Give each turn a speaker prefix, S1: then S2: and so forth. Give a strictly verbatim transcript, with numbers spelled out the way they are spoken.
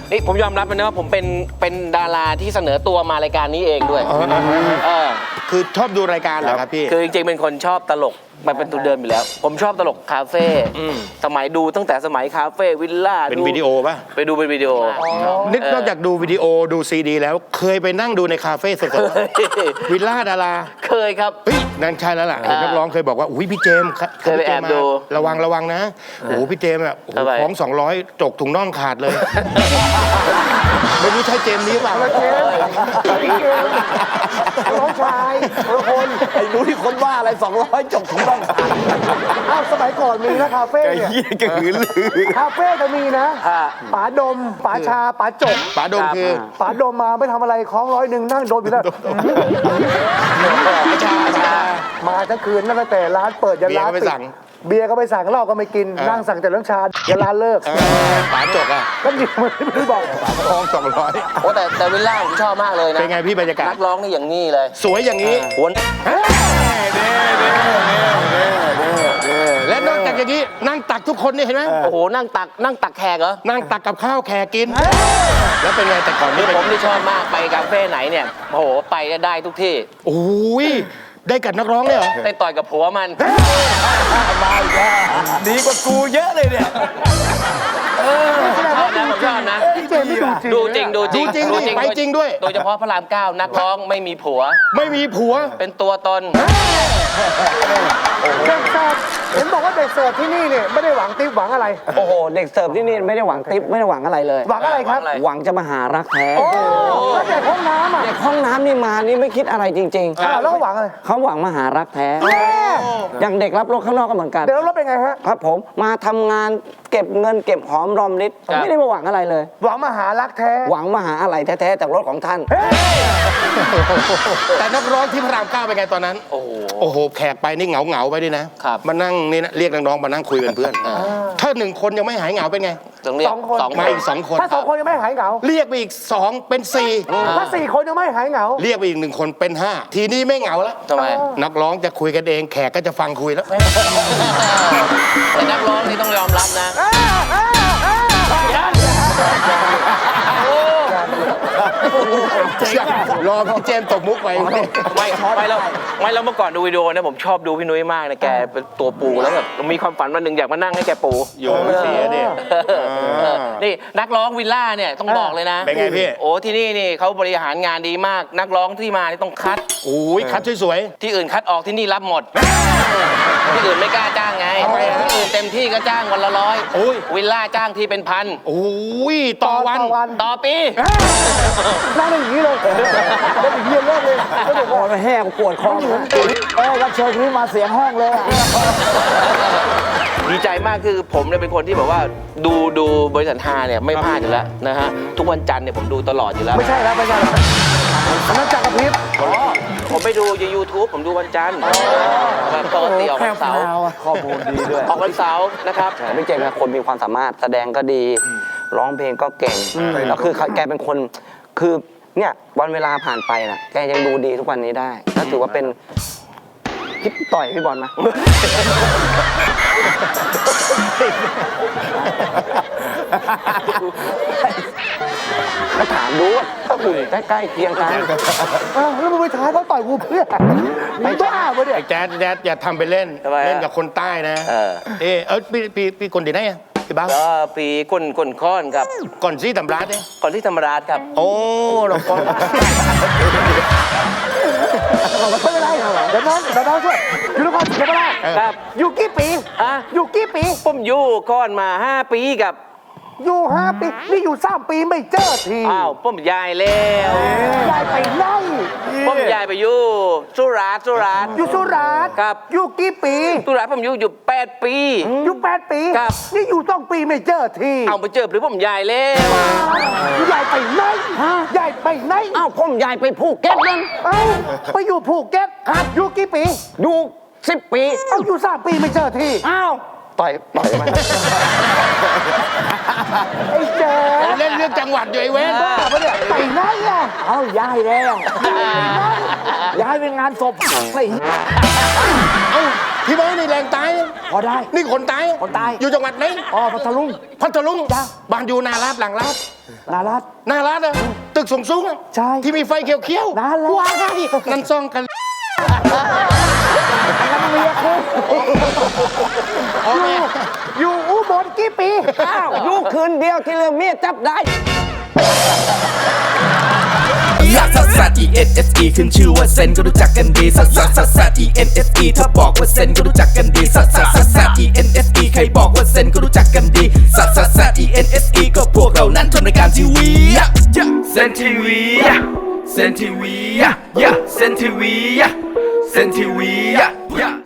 S1: นี่ผมยอมรับนะว่าผมเป็นเป็นดาราที่เสนอตัวมารายการนี้เองด้วยเออ
S2: คือชอบดูรายการเหรอครับพี่
S1: คือจริงๆเป็นคนชอบตลกมันเป็นตัวเดิมอยู่แล้วผมชอบตลกคาเฟ่สมัยดูตั้งแต่สมัยคาเฟ่วิลล่า
S2: เป็นวิดีโอป่ะ
S1: ไปดูเป็นวิดีโอ
S2: นึกนอกจากดูวิดีโอดูซีดีแล้วเคยไปนั่งดูในคาเฟ่สดๆวิลล่าดารา
S1: เคยครับ
S2: เฮ้ยนั่นใช่แล้วล่ะเห็นนักร้องเคยบอกว่าอุ้ยพี่เจมส์
S1: เคยไปแอบดู
S2: ระวังระวังนะโอ้โหพี่เจมส์อ่ะของสองร้อยจกถุงน่องขาดเลยไม่รู้ใช่เจมส์นี้เปล่า
S3: เจมส์น้องชายคน
S4: ไอ้รู้ที่คนว่าอะไรสองร้อยจบถุงน่องขาด
S3: อ้าวสมัยก่อนมีนะคาเฟ่เนี่ยคาเฟ่จะมีนะป๋าดมป๋าชาป๋าจก
S2: ป๋าดมคือ
S3: ป๋าดมมาไม่ทำอะไรคล้องร้อยหนึ่งนั่งโดนอยู่แล้ว
S2: ชาชา
S3: มาทั้งคืนนั่งแต่ร้านเปิดยันร้านปิดเบียร์ก็ไปสั่งเหล้าก็ไม่กินนั่งสั่งแต่เรื่องชายันร้านเลิก
S2: ป๋าจกอ่ะ
S3: ก็หยิบมันไม่บอก
S2: ทองสองร้อย
S1: โอ้แต่แต่วิลล่าผมชอบมากเลยนะ
S2: เป็นไงพี่บรรยากาศ
S1: นักร้องนี่อย่างนี้เลย
S2: สวยอย่างนี้
S1: หวน
S2: และนอกจากอย่างนี้นั่งตักทุกคนนี่เห็นไหม
S1: โอ้โหนั่งตักนั่งตักแขกเหรอ
S2: นั่งตักกับข้าวแขกกินแล้วเป็นไงแต่ก่อนนี่
S1: ผมที่ชอบมากไปคาเฟ่ไหนเนี่ยโอ้โหไปได้ทุกที่
S2: โอ้ยได้กับนักร้องเลยเหรอ
S1: ได้ต่อยกับผัวมัน
S4: มาอีกแล้วดีกว่ากูเยอะเลยเนี่ย
S1: ชอบนะผมชอบนะดูจริงดูจริง
S2: ดูจริงไปจริงด้วย
S1: โดยเฉพาะพระรามเก้านักร้องไม่มีผัว
S2: ไม่มีผัว
S1: เป็นตัวตน
S3: เด็กเสิร์ฟเห็นบอกว่าเด็กเสิร์ฟที่นี่เนี่ยไม่ได้หวังติ๊บหวังอะไร
S4: โอ้โหเด็กเสิร์ฟที่นี่ไม่ได้หวังติ๊บไม่ได้หวังอะไรเลย
S3: หวังอะไรครับ
S4: หวังจะมาหารักแท้
S3: โอ้แล้วเด็กห้องน้ำอ่ะ
S4: เด็กห้องน้ำนี่มานี่ไม่คิดอะไรจริง
S3: ๆแล้วหวังอะไร
S4: เขาหวังมาหารักแท้อย่างเด็กรับรถข้างนอกก็เหมือนกัน
S3: เด็กรับรถเป็นไงฮะ
S4: ครับผมมาทำงานเก็บเงินเก็บหอมรอมริบไม่ได้มาหวังอะไรเลย
S3: หวังมาหารักแท้
S4: หวังมาหาอะไรแท้ๆจากรถของท่าน
S2: แต่นักร้องที่พระรามเก้าเป็นไงตอนนั้นโอ้โหโอ้โหแขกไปนี่เหงาเหงาไปดินะมานั่งนี่นะเรียกน้องๆมานั่งคุยเป็นเพื่อนถ้าหนึ่งคนยังไม่หายเหงาเป็นไง
S1: สองคน
S2: มาอีกสองคน
S3: ถ้าสองคนยังไม่หายเหงา
S2: เรียกไปอีกสองเป็นสี่
S3: ถ้าสี่คนยังไม่หายเหงา
S2: เรียกไปอีกหนึ่งคนเป็นห้าทีนี้ไม่เหงาแล้ว
S1: ทำไม
S2: นักร้องจะคุยกันเองแขกก็จะฟังคุยแล้ว
S1: แต่นักร้องนี่ต้องยอมรับนะ
S2: รอพี่เจมส์ตบมุกไป
S1: ไม่ไม่แล้วไม่แล้วเมื่อก่อนดูวิดีโอนะผมชอบดูพี่นุ้ยมากนะแกเป็นตัวปูแล้วแบบมีความฝันวันหนึ่งอยากมานั่งให้แกปู
S2: อยู่ไม่เสียดิ
S1: นี่นักร้องวิลล่าเนี่ยต้องบอกเลยนะ
S2: เป็นไงพี่
S1: โอ้ที่นี่นี่เขาบริหารงานดีมากนักร้องที่มานี่ต้องคัด
S2: โอ้ยคัดสวย
S1: ๆที่อื่นคัดออกที่นี่รับหมดที่อื่นไม่กล้าจ้างไงที่อื่นเต็มที่ก็จ้างวันละร้อยวิลล่าจ้างที่เป็นพัน
S2: โอ้ยต่อวัน
S1: ต่อปี
S3: นั่งอย่างนี้เลยแล้วถึงเย็นเลิกเลย
S4: ก็บอกว่าแห้งปวดคอเออรับเชิญนี้มาเสียงห้องเลย
S1: ดีใจมากคือผมเนี่ยเป็นคนที่แบบว่าดูดูบริษัทฮาเนี่ยไม่พลาดอยู่แล้วนะฮะทุกวันจันทร์เนี่ยผมดูตลอดอยู่แล้ว
S3: ไม่ใช่แล้วไม่ใช่แล้วนักจักรพริบ
S1: ผมไปดูใน ยูทูบ ผมดูวันจันทร์ปกติออกวันเสาร์
S4: ข้อมูลดีด้วย
S1: ออกวันเสาร์นะครับ
S4: พี่เจมส์เป็นคนมีความสามารถแสดงก็ดีร้องเพลงก็เก่งแล้วคือแกเป็นคนคือเนี่ยวันเวลาผ่านไปนะแกยังดูดีทุกวันนี้ได้ก็ถือว่าเป็นพี่ต่อยพี่บอลนะก็ถามดูว่าถ้าอยู่ใกล้ๆเคียงกัน
S3: แล้วมึงไปท้าเขาต่อยกูเพื่อไม่บ้าปะเนี่ย
S2: แจ๊ดแจ๊ดอย่าทำไปเล่นเล่นกับคนใต้นะเออเออพี่พี่พี่คนที่ไหนอะพี่บ้า
S1: ก็ปีก้นก้นค้อนครับ
S2: ก่อนที่ธรรมราชเนี่ย
S1: ก่อนที่ธรรมราชครับ
S2: โอ้เราก็
S3: ไม่เป็นไรเดี๋ยวน้องเดี๋ยวน้องช่วยอยู่นครศรีธรรมราช
S1: ครับ
S3: อยู่กี่ปี
S1: อ่ะ
S3: อยู่กี่ปี
S1: ผมอยู่ก่อนมาห้าปีกับ
S3: อยู่ห้าปีนี่อยู่สามปีไม่เจอที
S1: อ้าวผมย้ายแล้ว
S3: ย้ายไปไหน
S1: ผมย้ายไปอยู่สุราษฎร์สุราษฎร์
S3: อยู่สุราษฎร์
S1: ครับ
S3: อยู่กี่ปี
S1: สุราษฎร์ผมอยู่อยู่แปดปี
S3: อยู่แปดปี
S1: ครับ
S3: นี่อยู่ต้องปีไม่เจอที
S1: เอาไปเจอหรือผมย้ายแล้ว
S3: ย้ายไปไหนย้ายไปไหน
S4: อ้าวผมย้ายไปภูเก็ตนั่น
S3: เอ้าไปอยู่ภูเก็ตครับอยู่กี่ปี
S4: อยู่สิบปี
S3: เอ้าอยู่สามปีไม่เจอที
S4: อ้าวต่อยต่อยมัน
S3: ไอ้เจ๊
S2: เล่นเรื่องจังหวัดอยู่ไอ้เว้น
S3: บ้าปะเนี่ยไปไหนอ่ะ
S4: เอ้าย้ายแล้วย้ายเป็นงานศพไอ้
S2: เอ้าพี่เบิร์ดนี่แรงตายนะ
S3: พอได้
S2: นี่คนตาย
S3: คนตาย
S2: อยู่จังหวัดไหน
S3: อ๋อพัทลุง
S2: พัทลุง
S3: จ้ะ
S2: บ้านอยู่นาลาดหลังลาด
S3: นารัต
S2: นาลาดอะตึกสูงสูงๆอะ
S3: ใช่
S2: ที่มีไฟเขียวๆ
S3: นั่นแหละ
S2: ว้ายนั่นซ่องกัน
S3: นั่นเมียคุณ
S2: อ๋อแม่
S3: อยู่อุบลกี่ปี
S4: อ้าวลูกคืนเดียวที่เรื่องเมียจับได้
S5: ลักซัสซัส E N S E ขึ้นชื่อว่าเซนก็รู้จักกันดีซัสซัสซัสซัส E N S E ถ้าบอกว่าเซนก็รู้จักกันดีซัสซัสซัสซัส E N S E ใครบอกว่าเซนก็รู้จักกันดีซัสซัสซัส E N S E ก็พวกเรานั้นทำรายการทีวีเซนทีวีเซนทีวีเซนทีวีเซนทีวี